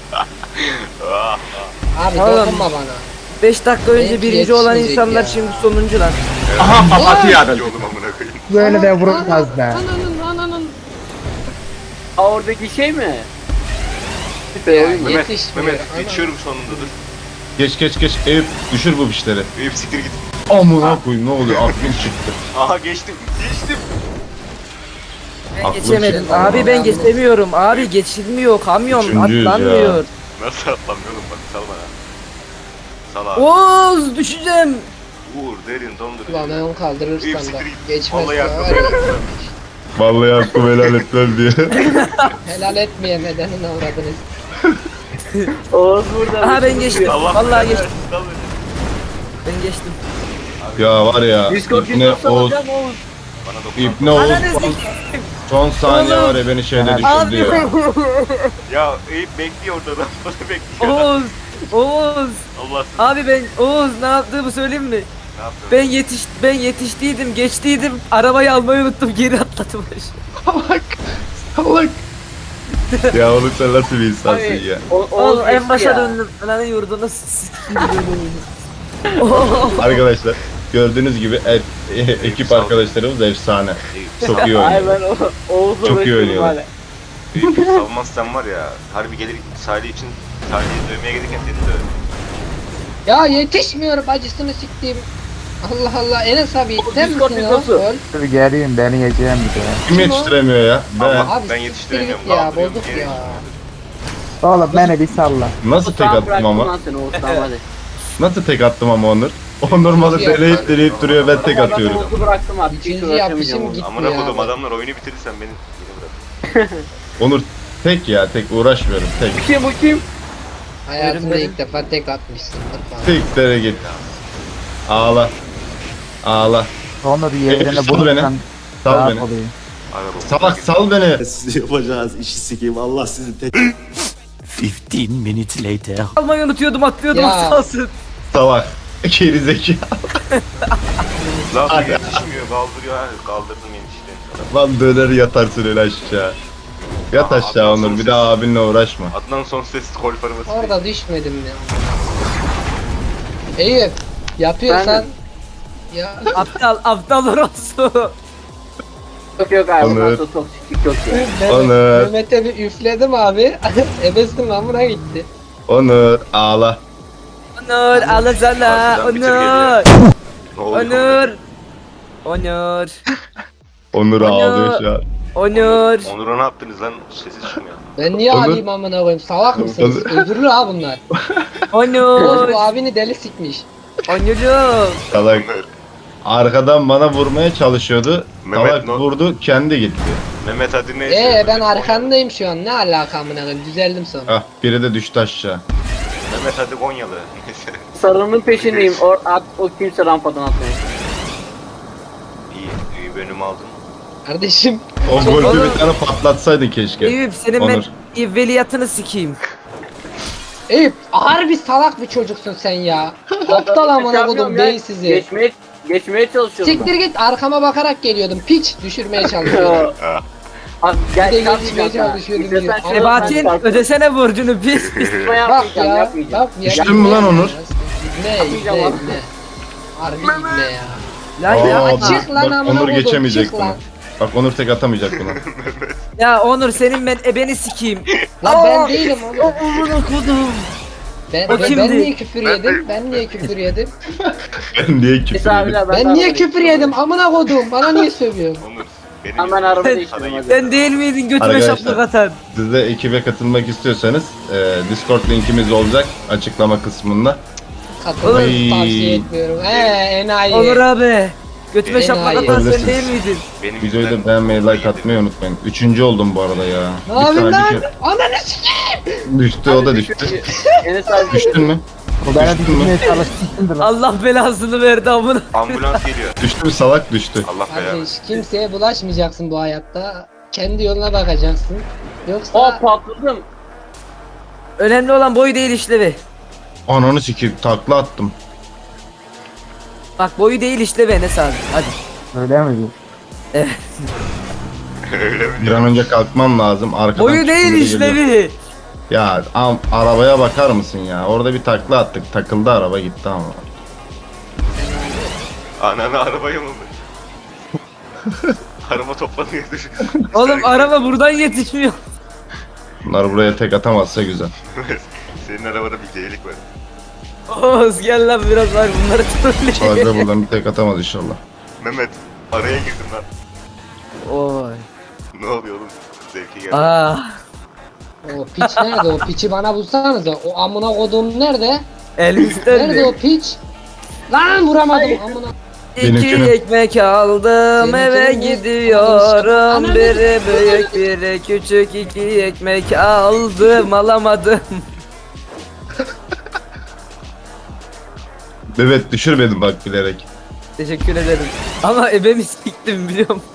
Speaker 5: Abi
Speaker 6: Oğlum.
Speaker 5: dokunma bana.
Speaker 6: 5 dakika önce
Speaker 5: Belki
Speaker 6: birinci olan
Speaker 5: yetişmeyecek
Speaker 6: insanlar
Speaker 5: ya.
Speaker 6: şimdi sonuncu lan.
Speaker 2: Papatya yolum amına koyayım.
Speaker 4: böyle de vurulmaz be.
Speaker 5: Ananın.
Speaker 3: Oradaki şey mi?
Speaker 5: Ya,
Speaker 3: Oyun mu?
Speaker 2: Mehmet,
Speaker 5: yetişmiyor.
Speaker 2: Mehmet
Speaker 5: Ama-
Speaker 2: geçiyorum sonunda dur.
Speaker 1: Geç. Eyüp düşür bu fişleri.
Speaker 2: Eyüp siktir git.
Speaker 1: Amına koyayım ne oluyor aklım çıktı.
Speaker 2: Aha geçtim.
Speaker 6: Ben
Speaker 1: Aklım
Speaker 6: geçemedim.
Speaker 1: çıktı.
Speaker 6: Abi ben geçemiyorum. Abi geçilmiyor. Kamyon
Speaker 1: Üçüncüyüz
Speaker 6: atlanmıyor.
Speaker 2: Nasıl atlamıyorum bak sal bana. Sal abi.
Speaker 6: Oğuz düşeceğim.
Speaker 2: Uğur derin dondurucu.
Speaker 5: Ulan ben onu
Speaker 2: Eyüp
Speaker 5: kaldırırsam da
Speaker 2: siktir git.
Speaker 5: geçmez.
Speaker 2: Vallahi
Speaker 5: ya,
Speaker 2: yardım
Speaker 5: var ya.
Speaker 1: Vallahi hakkımı helal etmem diye.
Speaker 5: Helal etmeye nedenini avradınız.
Speaker 3: Oğuz burada.
Speaker 6: Aha ben geçtim.
Speaker 2: Allah
Speaker 6: Vallahi
Speaker 2: belanı
Speaker 6: geçtim.
Speaker 2: versin, sal beni.
Speaker 6: Ben geçtim.
Speaker 1: Ya var ya
Speaker 3: Discord
Speaker 1: İbne
Speaker 3: yoksa
Speaker 1: Oğuz.
Speaker 3: hocam Oğuz.
Speaker 2: Bana dokun.
Speaker 1: İbne Oğuz
Speaker 6: Ananı
Speaker 1: son,
Speaker 6: sikeyim.
Speaker 1: son saniye var ya beni şeyde düşürdü
Speaker 6: Abi.
Speaker 1: ya.
Speaker 2: Ya Eyüp bekliyor orada da. Bana bekliyor.
Speaker 6: Oğuz.
Speaker 2: Allah
Speaker 6: Abi ben Oğuz ne yaptığımı söyleyeyim mi?
Speaker 2: ne yaptın?
Speaker 6: Ben yetiştiydim, geçtiydim. Arabayı almayı unuttum, geri atladım aşağı.
Speaker 1: Salak. Ya oğlum sen nasıl bir insansın ya.
Speaker 3: Oğuz
Speaker 6: Oğlum en
Speaker 3: geçti
Speaker 6: başa
Speaker 3: ya.
Speaker 6: döndüm. Lan yurduna sikeyim böyle.
Speaker 1: Arkadaşlar gördüğünüz gibi ekip arkadaşlarımız efsane. Çok iyi
Speaker 3: Ay
Speaker 1: oynuyor.
Speaker 3: ben Oğuz'la
Speaker 1: Çok iyi
Speaker 3: uğraşıyorum
Speaker 1: oynuyorlar.
Speaker 3: hala.
Speaker 2: Eyüp salmazsan var ya. Harbi gelir Salih için Salih'i dövmeye gelirken seni döverim.
Speaker 5: Ya yetişmiyorum acısını siktiğim. Allah Allah Enes abi sen
Speaker 3: Discord
Speaker 5: misin o?
Speaker 3: videosu.
Speaker 5: Öl.
Speaker 4: Dur geleyim beni yiyeceğim bir de.
Speaker 1: Kim yetiştiremiyor ya? Ben.
Speaker 2: Ama
Speaker 5: Abi
Speaker 2: ben
Speaker 5: siktir
Speaker 2: yetiştiremiyorum.
Speaker 5: git ya,
Speaker 2: kaldırıyorum,
Speaker 5: bozduk
Speaker 2: geri
Speaker 5: ya.
Speaker 2: yetiştiriyorum.
Speaker 4: Oğlum beni bir salla.
Speaker 1: Nasıl tek
Speaker 3: Tamam,
Speaker 1: attım
Speaker 3: bıraktım
Speaker 1: ama?
Speaker 3: lan seni Oğuz tamam hadi.
Speaker 1: Nasıl tek attım ama Onur? Onur malı deleyip duruyor ben tek
Speaker 3: Tamam,
Speaker 1: atıyorum.
Speaker 3: Ben Oğuz'u bıraktım abi. Hiç
Speaker 5: İkinci
Speaker 3: uğraşamayacağım
Speaker 5: yapışım
Speaker 3: Oğuz'la.
Speaker 5: gitti
Speaker 2: Amına
Speaker 5: ya.
Speaker 2: kodum adamlar oyunu bitirirsen beni bırak.
Speaker 1: Onur tek ya tek uğraşmıyorum tek.
Speaker 3: Bu kim?
Speaker 5: Hayatımda ilk defa tek atmışsın. Lütfen.
Speaker 1: Tek tere git. Ağla. Ağla.
Speaker 4: Onur yerine
Speaker 1: sal
Speaker 4: bulursan
Speaker 1: beni. Sal
Speaker 4: rahat
Speaker 1: beni.
Speaker 4: olayım.
Speaker 2: Araba.
Speaker 1: Salak sal beni.
Speaker 8: Siz yapacağınız işi sikeyim. Allah sizi tek...
Speaker 7: 15 minutes later.
Speaker 6: Almayı unutuyordum, atlıyordum
Speaker 5: Ya.
Speaker 6: az kalsın.
Speaker 1: Salak. Geri zeki.
Speaker 2: Lan
Speaker 1: Ay.
Speaker 2: yetişmiyor kaldırıyor ha. Kaldırdım enişte.
Speaker 1: Lan döner yatarsın öyle aşağı. Yat
Speaker 2: Aa,
Speaker 1: aşağı
Speaker 2: Adnan
Speaker 1: Onur
Speaker 2: son
Speaker 1: bir
Speaker 2: ses.
Speaker 1: daha abinle uğraşma.
Speaker 2: Adnan son ses kol forması.
Speaker 5: Orada düşmedim ya. Eyüp yapıyorsan ya
Speaker 6: Aptal orası.
Speaker 3: Yok abi.
Speaker 1: Onur.
Speaker 3: Ondan sonra toksiklik yok ya.
Speaker 5: ben
Speaker 1: Onur.
Speaker 5: Mehmet'e bir üfledim abi. Ebesim amına gitti.
Speaker 1: Onur ağla.
Speaker 6: Onur alazala.
Speaker 2: Harbiden bitir
Speaker 6: Onur.
Speaker 2: Ne oluyor?
Speaker 6: Onur. Onur.
Speaker 1: Onur
Speaker 6: Onur.
Speaker 1: ağlıyor şu an.
Speaker 6: Onur.
Speaker 2: Onur'a ne yaptınız lan? Sesi çıkmıyor.
Speaker 5: Ben niye
Speaker 1: Onur.
Speaker 5: alayım amına koyayım? Salak mısınız?
Speaker 1: Onur.
Speaker 5: Öldürür ha bunlar.
Speaker 6: Onur.
Speaker 5: Bu abini deli sikmiş.
Speaker 6: Onur'um.
Speaker 1: Salak. Arkadan bana vurmaya çalışıyordu.
Speaker 2: Mehmet
Speaker 1: Salak
Speaker 2: no-
Speaker 1: vurdu kendi gitti.
Speaker 2: Mehmet hadi neyse.
Speaker 5: Ben arkandayım şu an. Ne alaka amına koyayım? Düzeldim sonra.
Speaker 1: Ah biri de düştü aşağı.
Speaker 2: Mehmet hadi Konyalı. Neyse.
Speaker 3: Sarının peşindeyim. O kimse rampadan atmıyor.
Speaker 2: İyi bölüm aldın.
Speaker 5: Kardeşim.
Speaker 1: O golü
Speaker 6: Onur.
Speaker 1: bir tane patlatsaydın keşke.
Speaker 6: Eyüp senin
Speaker 1: Onur.
Speaker 6: ben evveliyatını sikeyim.
Speaker 5: Eyüp harbi salak bir çocuksun sen ya. Aptal amına kodum beyinsizi.
Speaker 3: Geçmeye çalışıyorum.
Speaker 5: Siktir git arkama bakarak geliyordum. Piç düşürmeye çalışıyorum.
Speaker 3: Abi
Speaker 5: Bir de
Speaker 3: gel
Speaker 5: geçmeye çalışıyordum diyor.
Speaker 6: Sebahattin ödesene borcunu pis.
Speaker 5: Bak ya. Bak ya.
Speaker 1: Düştün mü lan Onur?
Speaker 5: İbne. Harbi ibne ya.
Speaker 6: Lan ya.
Speaker 1: Aa,
Speaker 5: çık lan
Speaker 1: bak,
Speaker 5: amına
Speaker 1: Onur
Speaker 5: kodum,
Speaker 1: geçemeyecek
Speaker 5: çık
Speaker 1: bunu.
Speaker 5: lan.
Speaker 1: Bak Onur tek atamayacak bunu.
Speaker 6: Ya Onur senin ben ebeni sikeyim.
Speaker 5: Lan ben değilim oğlum.
Speaker 6: Amına kodum.
Speaker 5: Ben,
Speaker 6: O
Speaker 5: ben
Speaker 6: kimdi?
Speaker 5: niye küfür yedim? Ben niye küfür yedim?
Speaker 1: Ben niye küfür yedim?
Speaker 5: Ben niye küfür yedim? Amına kodum. Bana niye sövüyorsun?
Speaker 2: Onur. Benim
Speaker 3: Hemen araba
Speaker 6: Sen-
Speaker 3: değiştirdim hadi.
Speaker 6: Sen değil miydin götüme
Speaker 1: Arkadaşlar.
Speaker 6: şaplak atan?
Speaker 1: Siz de ekibe katılmak istiyorsanız Discord linkimiz olacak açıklama kısmında.
Speaker 5: Katılmayı
Speaker 1: Ay.
Speaker 5: tavsiye etmiyorum. Enayi.
Speaker 6: Onur abi. Götüme
Speaker 5: Enayi.
Speaker 6: şaplak atan sen
Speaker 1: Olabilirsiniz.
Speaker 6: değil miydin?
Speaker 2: Benim
Speaker 1: Videoyu da
Speaker 2: yüzümden-
Speaker 1: beğenmeyi, like atmayı unutmayın. Üçüncü oldum bu arada ya.
Speaker 5: Ne yapayım
Speaker 1: Bir
Speaker 5: lan?
Speaker 1: kere
Speaker 5: Ananı sikeyim.
Speaker 1: düştü o da düştü.
Speaker 3: Enes abi
Speaker 1: Düştün mü?
Speaker 4: O beni
Speaker 1: Düştün mü?
Speaker 4: düşürmeye çalışmışsındır lan.
Speaker 6: Allah belasını verdi amına.
Speaker 2: Ambulans geliyor.
Speaker 1: Düştü mü salak düştü.
Speaker 2: Allah belanı.
Speaker 5: Kardeş kimseye bulaşmayacaksın bu hayatta. Kendi yoluna bakacaksın. Yoksa
Speaker 3: Hop patladım.
Speaker 6: Önemli olan boyu değil işlevi.
Speaker 1: Ananı sikeyim takla attım.
Speaker 6: Bak boyu değil işlevi Enes abi. Hadi.
Speaker 4: Öyle mi diyor?
Speaker 2: Öyle mi?
Speaker 1: Bir an önce kalkmam lazım. Arkadan
Speaker 6: Boyu değil
Speaker 1: çıkınca geliyor.
Speaker 6: işlevi.
Speaker 1: Ya arabaya bakar mısın ya? Orada bir takla attık. Takıldı araba gitti ama.
Speaker 2: Ananı arabaya mı? Araba toplanıyor.
Speaker 6: Oğlum araba buradan yetişmiyor.
Speaker 1: Bunlar buraya tek atamazsa güzel.
Speaker 2: Senin arabada bir delik var.
Speaker 6: Oğuz gel lan biraz var bunları trolleyeyim.
Speaker 1: Sadece buradan bir tek atamaz inşallah.
Speaker 2: Mehmet araya girdim lan.
Speaker 6: Oy.
Speaker 2: Ne oluyor oğlum? Zevki geldi.
Speaker 6: Ah.
Speaker 5: O piç nerede? O piçi bana bulsanıza. O amına kodum nerede?
Speaker 6: Elimizden
Speaker 5: Nerede o piç? Lan vuramadım amına.
Speaker 6: İki
Speaker 1: Benimkini-
Speaker 6: ekmek aldım
Speaker 5: Benimkini
Speaker 6: eve
Speaker 5: mi?
Speaker 6: gidiyorum.
Speaker 5: Ananı-
Speaker 6: Biri büyük biri küçük, iki ekmek aldım alamadım.
Speaker 1: Evet düşürmedim bak bilerek.
Speaker 6: Teşekkür ederim. Ama ebemi siktim biliyor musun?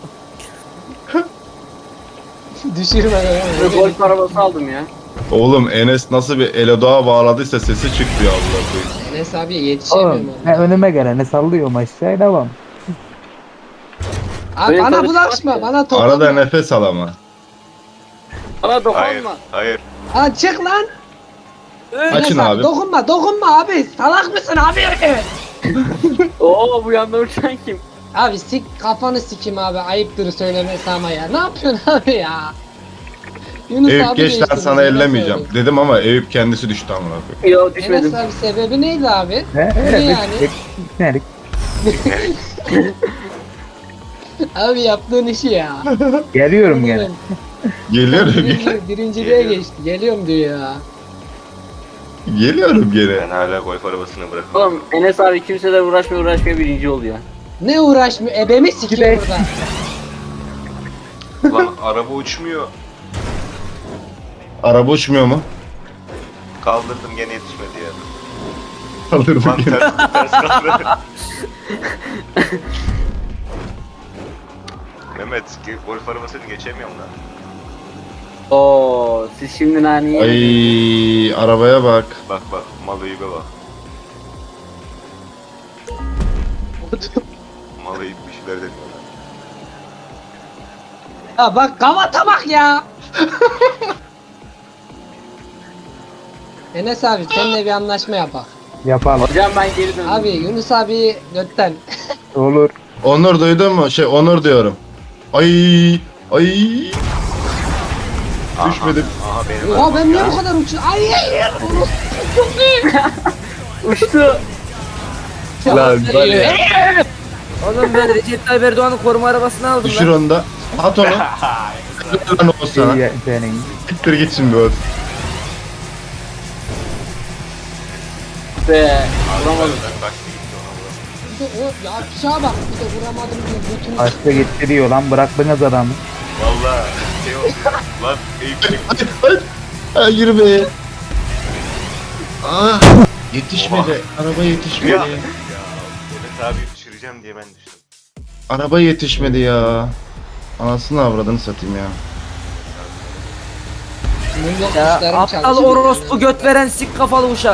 Speaker 5: Düşürme
Speaker 3: Ve golf arabası aldım ya.
Speaker 1: Oğlum Enes nasıl bir Elodoğa bağladıysa sesi çıktı ya Allah'a koyayım.
Speaker 5: Enes abiye yetişemiyorum
Speaker 4: Oğlum
Speaker 5: ona.
Speaker 4: ben önüme geleni sallıyorum aşağıya devam.
Speaker 5: Abi
Speaker 3: Benim
Speaker 5: bana
Speaker 3: karışık
Speaker 5: bulaşma,
Speaker 3: var ya.
Speaker 5: bana toplama.
Speaker 1: Arada nefes al ama.
Speaker 3: Bana
Speaker 2: Hayır.
Speaker 3: dokunma.
Speaker 2: Hayır.
Speaker 5: Aa, çık lan.
Speaker 1: Açın
Speaker 5: Enes
Speaker 1: abi.
Speaker 5: Dokunma abi. Salak mısın abi?
Speaker 3: Oo bu yanda uçan kim?
Speaker 5: Abi sik kafanı sikim abi. Ayıptır söylemesi ama ya. Ne yapıyorsun abi ya? Yunus
Speaker 1: Eyüp
Speaker 5: abi
Speaker 1: geç lan
Speaker 5: değiştirdi,
Speaker 1: sana
Speaker 5: ben
Speaker 1: ellemeyeceğim.
Speaker 5: söyleyeyim.
Speaker 1: Dedim ama Eyüp kendisi düştü amına koyayım.
Speaker 3: Yo düşmedim.
Speaker 5: Enes abi sebebi neydi abi?
Speaker 4: He
Speaker 5: Ne
Speaker 4: evet.
Speaker 5: yani?
Speaker 4: Gitmedik.
Speaker 5: Abi yaptığın işi ya.
Speaker 4: Geliyorum gene.
Speaker 1: Geliyorum gene.
Speaker 5: Birinciliğe
Speaker 2: Geliyor.
Speaker 5: geçti. Geliyorum diyor ya.
Speaker 1: Geliyorum gene.
Speaker 2: Ben hala golf arabasını bırakmadım.
Speaker 3: Oğlum Enes abi kimseler uğraşmıyor birinci oluyor.
Speaker 5: Ne uğraşmıyor? Ebemi sikiyor burada.
Speaker 2: Lan araba uçmuyor.
Speaker 1: Araba uçmuyor mu?
Speaker 2: Kaldırdım gene yetişmedi ya.
Speaker 1: Kaldırdım
Speaker 2: Lan
Speaker 1: gene.
Speaker 2: ters kaldı. Mehmet golf arabasını geçemiyorum lan.
Speaker 3: Oo siz şimdi nani
Speaker 1: Ay arabaya bak.
Speaker 2: Bak mal Eyüp'e bak. Mal Eyüp bir şeyler deniyor lan.
Speaker 5: Ya bak kavata bak ya. Enes abi seninle bir anlaşma yapak.
Speaker 4: Yapalım.
Speaker 3: Hocam ben geri döndüm.
Speaker 5: Abi Yunus abi götten.
Speaker 4: Olur.
Speaker 1: Onur duydun mu? Onur diyorum. Ay düşmedim.
Speaker 2: Aha benim
Speaker 5: Oha ben niye
Speaker 2: ya.
Speaker 5: bu kadar uçuyorum? Ay hayır.
Speaker 3: Uçtu.
Speaker 1: Lan var ya.
Speaker 6: Oğlum ben Recep Tayyip Erdoğan'ın koruma arabasını aldım
Speaker 1: Düşür
Speaker 6: lan.
Speaker 1: onu da. At onu. Lan o sana.
Speaker 4: İyi senin.
Speaker 1: Siktir git şimdi o.
Speaker 3: Be. Vuramadım.
Speaker 2: Ben kaçtı gitti ona bırak.
Speaker 5: Bir de o ya aşağı bak. Bir de vuramadım diye bütün.
Speaker 4: Başta gittiriyor lan bıraktınız adamı.
Speaker 2: Valla şey oldu. Lan Eyüp çıktı.
Speaker 1: Hayır be. Ah. Yetişmedi. Araba yetişmedi.
Speaker 2: Ya. Mehmet abi düşüreceğim diye ben düştüm.
Speaker 1: Araba yetişmedi ya. Anasını avradını satayım ya.
Speaker 5: Bunun yok
Speaker 6: Ya
Speaker 5: kuşlarım
Speaker 6: aptal
Speaker 5: çalışıyor.
Speaker 6: orospu göt veren sik kafalı uşak.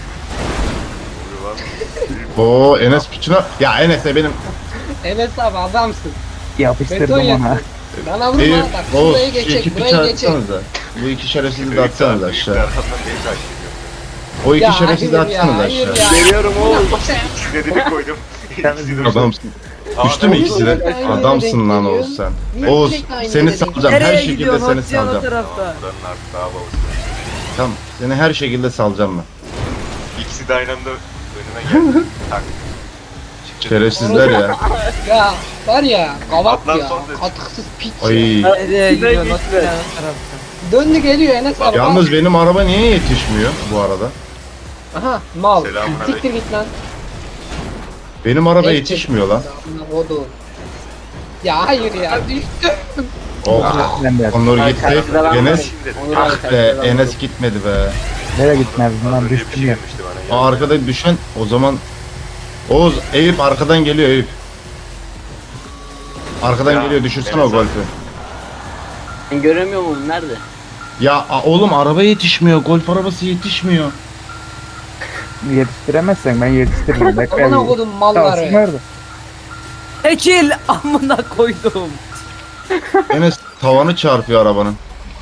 Speaker 2: Vuruyor lan.
Speaker 1: Oo Enes piçine. Ya Enes'e benim.
Speaker 5: Enes abi adamsın. Beton
Speaker 4: Yapıştırdım ona.
Speaker 5: yaptın. Bana vurma
Speaker 1: Eyüp.
Speaker 5: bak.
Speaker 1: Oğuz
Speaker 5: Şurayı
Speaker 1: şu
Speaker 5: geçecek.
Speaker 1: iki piçi
Speaker 5: Burayı geçecek.
Speaker 1: atsanıza. Bu iki şerefsizi de
Speaker 2: Eyüp
Speaker 1: atsanıza
Speaker 2: abi, Eyüp
Speaker 1: aşağı.
Speaker 2: arkamdan beni takip ediyor.
Speaker 1: O iki
Speaker 5: Ya
Speaker 1: şerefsizi de
Speaker 5: hayır ya,
Speaker 1: atsanıza
Speaker 5: hayır
Speaker 1: aşağı.
Speaker 5: ya.
Speaker 3: Geliyorum oğlum.
Speaker 2: Dediğini koydum. İkisi de
Speaker 1: Adamsın.
Speaker 2: Aa,
Speaker 1: Düştü mü
Speaker 2: ben-
Speaker 1: ikisi de?
Speaker 5: Aynı yere
Speaker 1: Adamsın
Speaker 5: denk
Speaker 1: lan
Speaker 5: geliyor.
Speaker 1: Oğuz sen.
Speaker 5: Niye
Speaker 1: Oğuz
Speaker 5: sürekli aynı
Speaker 1: seni
Speaker 5: yere denk
Speaker 1: salacağım. Her
Speaker 6: Nereye
Speaker 1: şekilde
Speaker 6: gidiyorsun?
Speaker 1: seni
Speaker 6: Hocam o
Speaker 1: salacağım.
Speaker 6: tarafta.
Speaker 2: Buranın artık daha babası.
Speaker 1: Tamam. Seni her şekilde salacağım ben.
Speaker 2: İkisi de aynı anda önüme geldi. Tak.
Speaker 1: Şerefsizler ya.
Speaker 5: Ya var ya kavat
Speaker 2: Atlan
Speaker 5: ya.
Speaker 2: son dedi.
Speaker 5: Katıksız piç.
Speaker 1: Ay.
Speaker 6: Nereye gidiyorsun?
Speaker 3: gitme.
Speaker 6: O tarafta.
Speaker 5: Döndü geliyor Enes abi.
Speaker 1: Yalnız benim araba niye yetişmiyor bu arada?
Speaker 5: Aha mal.
Speaker 2: Selamünaleyküm.
Speaker 5: Siktir git lan.
Speaker 1: Benim araba
Speaker 5: Gerçek.
Speaker 1: yetişmiyor lan.
Speaker 5: Amına kodum. Ya hayır ya düştü.
Speaker 1: Oh.
Speaker 4: Ben de.
Speaker 1: Onur
Speaker 3: Ay,
Speaker 1: gitti.
Speaker 3: karşıda ben
Speaker 1: Enes.
Speaker 3: varım. Onur abi
Speaker 1: Ah be
Speaker 3: karşıda ben
Speaker 1: Enes gitmedi be.
Speaker 4: Nereye gitmez lan
Speaker 2: Öyle bir
Speaker 4: düştüm
Speaker 2: şey
Speaker 4: ya.
Speaker 2: gelmişti bana.
Speaker 1: Aa, arkada düşen o zaman Oğuz Eyüp arkadan geliyor Eyüp. Arkadan
Speaker 2: Ya,
Speaker 1: geliyor düşürsene
Speaker 2: Enes
Speaker 1: o
Speaker 2: abi.
Speaker 1: golfü.
Speaker 3: Ben göremiyor muyum? Nerede?
Speaker 1: Ya oğlum araba yetişmiyor. Golf arabası yetişmiyor.
Speaker 4: Yetiştiremezsen ben yetiştiririm. Bekle.
Speaker 5: Amına kodum
Speaker 4: Kalsın
Speaker 5: malları.
Speaker 4: nerede?
Speaker 6: Ekil amına koydum.
Speaker 1: Enes tavanı çarpıyor arabanın.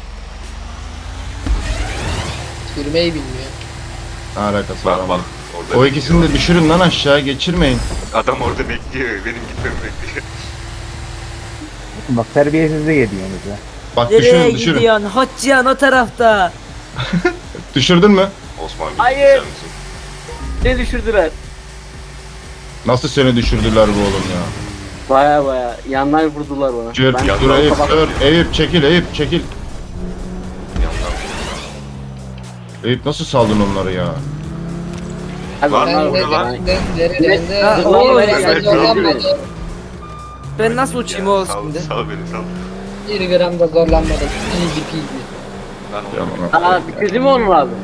Speaker 5: Sürmeyi bilmiyor.
Speaker 1: Ne alakası var
Speaker 2: Bak
Speaker 1: ama.
Speaker 2: bak. Orada
Speaker 1: O ikisini de düşürün lan aşağı geçirmeyin.
Speaker 2: Adam orada bekliyor. Benim gitmemi bekliyor.
Speaker 4: Bak terbiyesizlik ediyorsunuz ya.
Speaker 1: Bak
Speaker 6: Nereye
Speaker 1: düşürün.
Speaker 6: gidiyorsun? Hoccan o tarafta.
Speaker 1: Düşürdün mü?
Speaker 2: Osman bir
Speaker 3: Hayır.
Speaker 2: düşer misin?
Speaker 3: Ne düşürdüler?
Speaker 1: Nasıl seni düşürdüler bu oğlum ya?
Speaker 3: Baya yandan vurdular bana.
Speaker 1: Dur,
Speaker 3: Ben
Speaker 1: dur Eyüp,
Speaker 3: sabah-
Speaker 1: dur. Eyüp çekil, Eyüp çekil.
Speaker 2: Yandan.
Speaker 1: Eyüp nasıl saldın onları ya?
Speaker 3: Abi
Speaker 2: Lan,
Speaker 3: onlar
Speaker 2: bu ne
Speaker 3: vurdu
Speaker 2: lan?
Speaker 3: bana.
Speaker 6: Ha,
Speaker 3: Zıplama
Speaker 6: oğlum,
Speaker 3: böyle
Speaker 6: ben
Speaker 3: yani.
Speaker 5: zorlanmadım.
Speaker 6: Ben nasıl uçayım o
Speaker 2: Sal,
Speaker 6: şimdi?
Speaker 2: sal beni sal.
Speaker 5: 1 gram da zorlanmadım. Easy peasy.
Speaker 2: Lan
Speaker 1: Ya
Speaker 2: oğlum.
Speaker 1: bana-
Speaker 3: Aa bitirdin mi onu abi?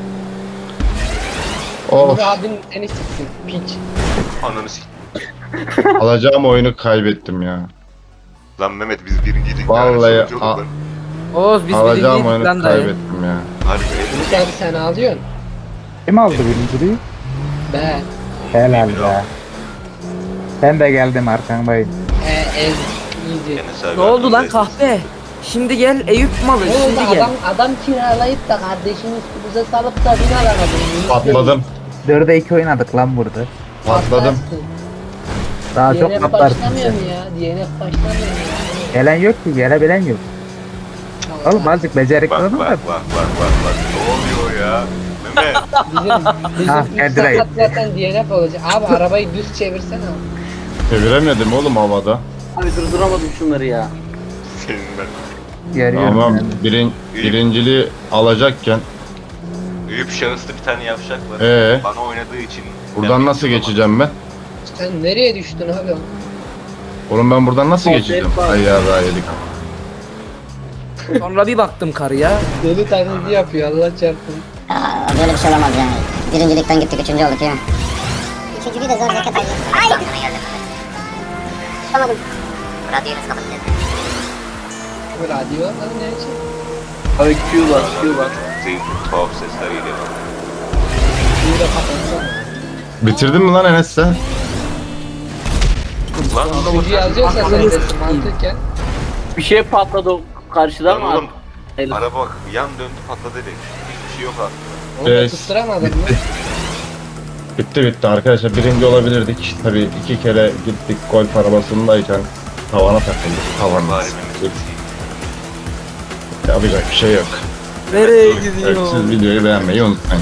Speaker 1: Of,
Speaker 5: Bu abin seni siksin. Piç.
Speaker 2: Ananı sik.
Speaker 1: alacağım oyunu kaybettim ya.
Speaker 2: Lan Mehmet biz birinciydik.
Speaker 1: Vallahi
Speaker 2: yani, sonucu olduk lan.
Speaker 6: Oğuz biz
Speaker 1: Alacağım
Speaker 6: birinciydik
Speaker 1: oyunu
Speaker 6: lan dayı.
Speaker 1: kaybettim ya.
Speaker 2: Harbi.
Speaker 5: Ümit abi sen ağlıyorsun.
Speaker 4: Kim aldı birinciliği?
Speaker 5: Be.
Speaker 4: Helal be. Ben de geldim arkandayım.
Speaker 5: Ez. Easy.
Speaker 2: Enes abi
Speaker 6: Ne oldu lan
Speaker 2: arkandayız.
Speaker 6: kahpe? Şimdi gel Eyüp malı
Speaker 5: Ne oldu
Speaker 6: şimdi gel.
Speaker 5: adam kiralayıp da kardeşini üstümüze salıp da bin alamadın.
Speaker 1: Patladım,
Speaker 4: 4'e 2 oynadık lan burada.
Speaker 1: patladım.
Speaker 4: Daha çok
Speaker 5: DNF
Speaker 4: patlarsın
Speaker 5: başlamıyor
Speaker 4: sen.
Speaker 5: mu ya? DNF başlamıyor mu ya?
Speaker 4: Gelen yok ki, gelebilen yok. Oğlum azıcık becerikli
Speaker 2: Bak
Speaker 4: olun
Speaker 2: bak
Speaker 4: da.
Speaker 2: bak bak bak bak. Ne oluyor ya? Mehmet.
Speaker 5: Bizim
Speaker 4: Ha,
Speaker 5: üst
Speaker 4: geldireyim.
Speaker 5: sakat zaten DNF olacak. Abi arabayı düz çevirsene.
Speaker 1: Çeviremedim oğlum havada.
Speaker 3: Abi durduramadım şunları ya.
Speaker 2: Senin ben.
Speaker 4: Görüyorum.
Speaker 1: Ama
Speaker 4: yani.
Speaker 1: birinciliği alacakken
Speaker 2: Büyük şahıslı bir tane yavşak var. Bana oynadığı için.
Speaker 1: buradan
Speaker 2: ben
Speaker 1: nasıl
Speaker 2: birinci
Speaker 1: geçeceğim ben?
Speaker 5: Sen nereye düştün abi?
Speaker 1: Oğlum ben buradan nasıl
Speaker 3: Sol
Speaker 1: geçeceğim?
Speaker 3: tarafa.
Speaker 1: Ay yarrağı yedik.
Speaker 6: Sonra bir baktım karıya.
Speaker 5: Deli taklidi yapıyor Allah çarpsın.
Speaker 9: Böyle bir şey olamaz yani. Birincilikten gittik, üçüncü olduk ya. Üçüncülüğü de zor zekat aldı. Ay! Tutamadım. Radyoyu nasıl kapatacağız?
Speaker 5: Bu radyo lan ne için?
Speaker 3: Abi Q bas Q bas.
Speaker 2: Zeyn tuhaf sesler geliyor.
Speaker 5: Bir de kapatsana.
Speaker 1: Bitirdin mi lan Enes sen?
Speaker 2: Lan
Speaker 5: Üçüncü yazıyorsa sen desin mantıken.
Speaker 3: Bir şey patladı o karşıdan
Speaker 2: Lan
Speaker 3: mı?
Speaker 2: oğlum.
Speaker 3: Hayır.
Speaker 2: Araba bak yan döndü patladı dedik. Hiçbir şey yok aslında.
Speaker 5: Onu da
Speaker 1: Evet.
Speaker 5: tutturamadın mı?
Speaker 1: Bitti arkadaşlar, birinci olabilirdik. Tabii 2 kere gittik golf arabasındayken tavana takıldık. Tavanla.
Speaker 2: Bari Mehmet.
Speaker 1: Yapacak bir şey yok.
Speaker 6: Nereye
Speaker 1: Evet,
Speaker 6: gidiyor?
Speaker 1: siz videoyu beğenmeyi unutmayın.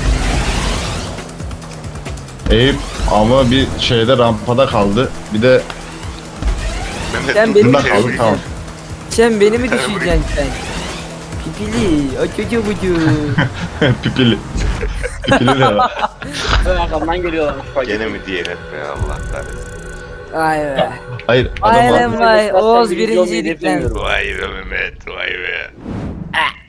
Speaker 1: Eyüp ama bir şeyde rampada kaldı. Bir de
Speaker 2: Mehmet
Speaker 6: Sen
Speaker 2: dur,
Speaker 6: benim
Speaker 2: dur,
Speaker 1: bunda
Speaker 2: şey
Speaker 1: kaldı,
Speaker 2: vurayım.
Speaker 1: tamam.
Speaker 6: Sen beni mi düşüreceksin sen? Pipili, o çocuğu bucu.
Speaker 1: Pipili. Pipili de var.
Speaker 3: Arkamdan geliyorlar.
Speaker 2: Gene mi DNF be Allah kahretsin.
Speaker 6: Ay be.
Speaker 1: Hayır
Speaker 6: Aynen
Speaker 1: adam
Speaker 6: vay.
Speaker 3: Zaten
Speaker 6: Oğuz
Speaker 3: birinci olmayı
Speaker 6: birinciydik lan.
Speaker 3: hedeflemiyorum.
Speaker 2: Vay be Mehmet vay be.